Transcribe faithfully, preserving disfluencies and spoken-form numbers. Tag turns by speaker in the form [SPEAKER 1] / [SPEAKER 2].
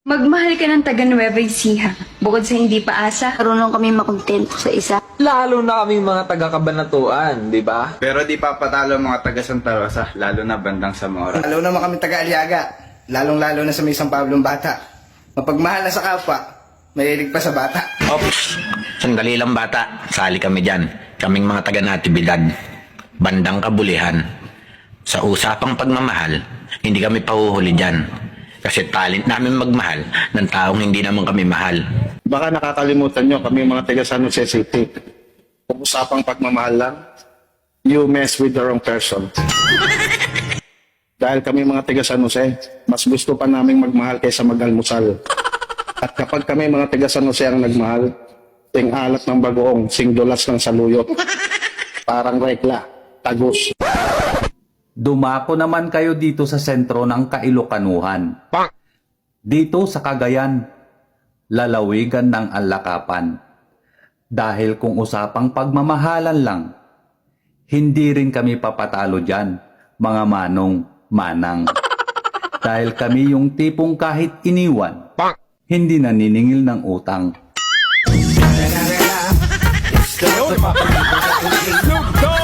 [SPEAKER 1] Magmahal ka ng taga Nueva Ecija. Bukod sa hindi paasa,
[SPEAKER 2] Marunong kami makontento sa isa.
[SPEAKER 3] Lalo na kaming mga taga-Kabanatuan, di ba?
[SPEAKER 4] Pero di pa patalo ang mga taga Santa Rosa, lalo na bandang Zamora.
[SPEAKER 5] Lalo naman kami taga-Aliaga, lalong-lalo na sa may San Pablong bata. Mapagmahal na sa kapwa, mahilig pa sa bata.
[SPEAKER 6] Ops, sandali lang bata, sali kami dyan. Kaming mga taga-Natividad, bandang Kabulihan. Sa usapang pagmamahal, hindi kami pahuhuli dyan. Kasi talent namin magmahal ng taong hindi naman kami mahal.
[SPEAKER 7] Baka nakakalimutan nyo, kami mga taga San Jose City. Kung usapang pagmamahal lang, you mess with the wrong person. Dahil kami mga taga San Jose, mas gusto pa namin magmahal kaysa mag-almusal. At kapag kami mga taga San Jose ang nagmahal, ting alat ng bagoong, singdulas ng saluyot. Parang rekla, tagus.
[SPEAKER 8] Dumako naman kayo dito sa sentro ng Kailokanuhan. Dito sa Cagayan, lalawigan ng Alakapan. Dahil kung usapang pagmamahalan lang, hindi rin kami papatalo dyan, mga manong manang. Dahil kami yung tipong kahit iniwan, hindi naniningil ng utang.
[SPEAKER 3] Snoop Dogg!